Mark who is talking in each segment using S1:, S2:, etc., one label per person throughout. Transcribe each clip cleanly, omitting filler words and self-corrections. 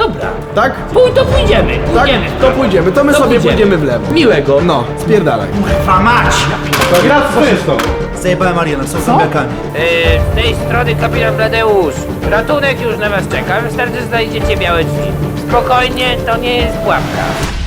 S1: Dobra.
S2: Tak?
S1: To pójdziemy.
S2: Tak? To pójdziemy, to my sobie pójdziemy w lewo.
S1: Miłego.
S2: No, spierdalaj.
S3: Kurwa mać!
S2: To gra
S3: Zajebałem Ariana, są zombiakami.
S4: Z tej strony kapitan Bladeusz. Ratunek już na was czeka. Wystarczy znajdziecie białe drzwi. Spokojnie, to nie jest pułapka.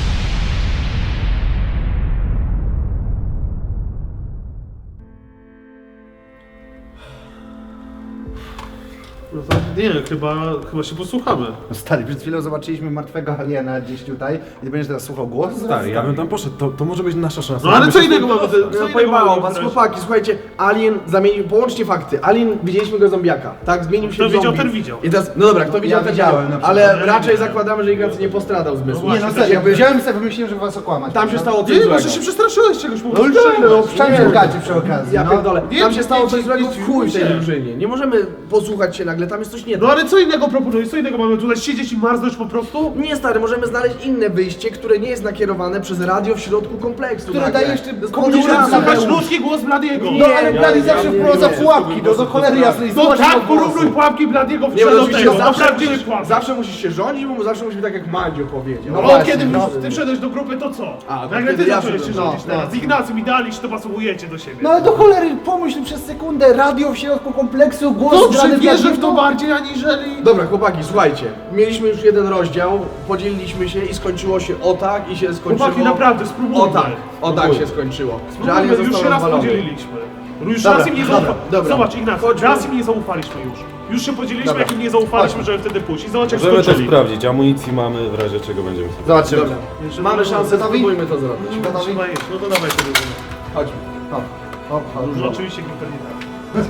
S5: No to nie, chyba się posłuchamy.
S3: No stary, przed chwilą zobaczyliśmy martwego aliena gdzieś tutaj i ty będziesz teraz słuchał głos?
S6: Stary, ja bym tam poszedł, to może być nasza szansa.
S5: No ale co innego mamy?
S2: No pojebało was, chłopaki, słuchajcie, Alien zamienił, połączcie fakty, Alien, widzieliśmy go zombiaka, tak? Zmienił się
S5: Kto
S2: w
S5: widział,
S2: zombie.
S5: ten widział.
S2: I teraz, no dobra, kto widział,
S3: Ja
S2: ten
S3: widziałem,
S2: widział,
S3: na
S2: ale
S3: przykład.
S2: raczej zakładamy, że Ignacy nie postradał zmysłu.
S3: Nie no serio, wziąłem sobie, wymyśliłem, żeby was okłamać.
S2: Tam się stało coś
S5: Nie,
S2: złego.
S5: może się przestraszyłeś czegoś, bo
S3: No wszędzie gacie przy okazji,
S2: Ja
S3: no.
S2: pierdolę, tam się stało coś złego
S5: nic,
S2: w chuj w tej
S5: nie.
S2: drużynie. Nie możemy posłuchać się nagle, tam jest coś nie
S5: No
S2: tak.
S5: ale co innego proponujesz? Co innego mamy tutaj siedzieć i marznąć po prostu?
S2: Nie stary, możemy znaleźć inne wyjście, które nie jest nakierowane przez radio w środku kompleksu.
S3: Które
S2: nagle.
S3: daje jeszcze
S2: To jest
S3: komunikacja.
S2: podejrzane.
S5: Słuchać ludzki głos Bladiego.
S3: No ale Blady zawsze wprowadza pułapki, no do cholery jasnej.
S5: No
S3: zobacz,
S5: tak,
S3: jego głosy.
S5: porównuj pułapki Bladiego w
S2: Nie, bo
S5: do
S2: oczywiście
S5: tego,
S2: zawsze,
S5: prawdziwy pułapki.
S2: zawsze musisz się rządzić, bo zawsze musi być tak jak Mandzio powiedział.
S5: No
S3: właśnie,
S5: kiedy
S3: no.
S5: ty wszedłeś do grupy, to co?
S2: A, to
S5: Nagle
S2: wtedy
S5: ty
S2: ja
S5: zacząłeś się
S2: wszedłem.
S5: rządzić
S3: No,
S5: teraz.
S3: no.
S5: Z Ignacym i Dalisz to pasujecie do siebie.
S3: No ale do cholery, pomyśl przez sekundę, radio w środku kompleksu, głos
S5: Dobrze,
S3: grany
S5: wierzę w to
S3: Bladiego.
S5: bardziej aniżeli...
S2: Dobra, chłopaki, słuchajcie. Mieliśmy już jeden rozdział, podzieliliśmy się i skończyło się o tak i się skończyło...
S5: Chłopaki, naprawdę, spróbujmy.
S2: O tak się skończyło. Że Alien
S5: Spróbujmy, już
S2: został
S5: się raz
S2: rozwalony.
S5: podzieliliśmy. Już
S2: Dobra,
S5: raz im nie
S2: dobra,
S5: zaufaliśmy.
S2: dobra.
S5: Zobacz, Ignacy,
S2: Chodźmy.
S5: raz im nie zaufaliśmy już. Już się podzieliliśmy,
S2: Dobra.
S5: jak im nie zaufaliśmy, żeby wtedy pójść. I zobacz, jak
S6: Możemy to
S5: skończyli.
S6: sprawdzić, amunicji mamy, w razie czego będziemy sobie.
S3: Zobaczymy.
S2: Dobra,
S5: Jeszcze
S2: mamy
S5: gotowi?
S2: szansę, spróbujmy to zrobić.
S3: Gotowi?
S5: Trzeba jeść, no to dawaj sobie.
S2: Chodźmy.
S5: Dużo oczywiście Gimper nie tak.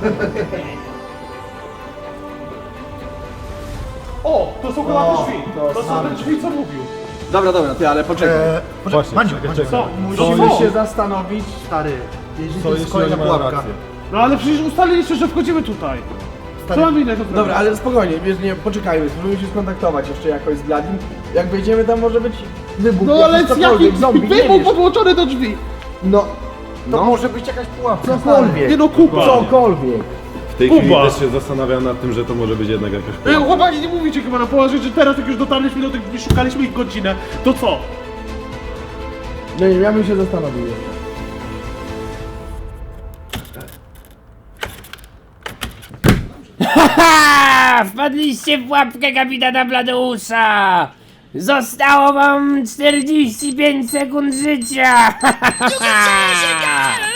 S5: O, to są chyba te drzwi. To są te drzwi, co mówił.
S2: Dobra, ty, ale poczekaj.
S6: Właśnie,
S3: Mandziu,
S5: Co?
S2: Musimy
S5: Co?
S2: się zastanowić.
S3: stary, jeśli
S6: Co
S3: to jest
S6: jeśli
S3: kolejna
S6: oni mają
S3: pułapka.
S6: rację?
S5: No ale przecież ustaliliście, że wchodzimy tutaj. Co mamy innego zrobić?
S2: Dobra, ale spokojnie, wiesz, nie, poczekajmy, spróbujmy się skontaktować jeszcze jakoś z Bladim. Jak wejdziemy tam może być wybuch,
S5: No ale z
S2: cokolwiek,
S5: jakim
S2: zombie, nie
S5: wybuch
S2: wiesz.
S5: podłączony do drzwi?
S2: No,
S3: To może być jakaś pułapka.
S2: cokolwiek.
S5: Nie no, Kuba.
S2: Cokolwiek.
S6: W tej chwili
S5: Kuba.
S6: też się zastanawiam nad tym, że to może być jednak jakaś pułapka.
S5: Chłopaki, nie mówicie chyba na poważnie, że teraz jak już dotarliśmy do tych drzwi, szukaliśmy ich godzinę, to co?
S2: No nie, ja bym się zastanowił.
S4: Haha! Wpadliście w pułapkę kapitana Bladeusza! Zostało wam 45 sekund życia!